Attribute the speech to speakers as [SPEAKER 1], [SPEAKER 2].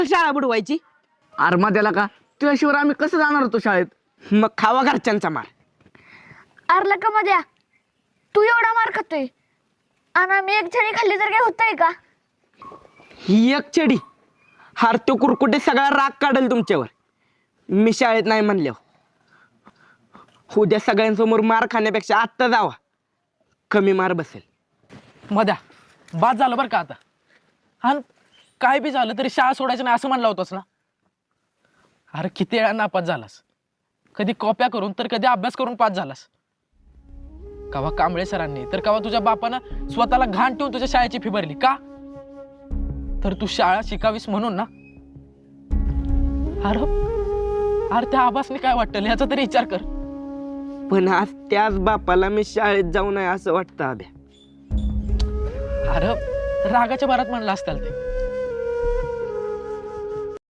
[SPEAKER 1] शाळा बुडवायची.
[SPEAKER 2] अरे मध्याला का तुझ्याशिवाय आम्ही कसं जाणार होतो शाळेत?
[SPEAKER 1] मग खावा घरच्यांचा मार.
[SPEAKER 3] अरला का मध्ये तू एवढा मार खातोय आणि आम्ही एक छडी खाल्ली तर काय होतंय का?
[SPEAKER 1] ही एक छडी हार तो कुरकुटे सगळा राग काढेल तुमच्यावर. मी शाळेत नाही म्हणल्यावर. उद्या सगळ्यांसमोर मार खाण्यापेक्षा आत्ता जावा, कमी मार बसेल.
[SPEAKER 4] मध्या बाद झालं बरं का आता. हा काय बी झालं तरी शाळा सोडायचं नाही असं म्हणलं होतंस ना. अरे किती वेळा नापास झालास, कधी कॉप्या करून तर कधी अभ्यास करून पास झालास. कवा कांबळे सरांनी तर कवा तुझ्या बापानं स्वतःला घाण ठेवून तुझ्या शाळेची फी भरली का? तर तू शाळा शिकावीस म्हणून ना. अरे अरे त्या आबासने काय वाटतं याचा तरी विचार कर.
[SPEAKER 1] पण आज त्याच बापाला मी शाळेत जाऊ नये असं वाटतं. अभ्या
[SPEAKER 4] अरे रागाच्या भरात म्हणलं असताल ते.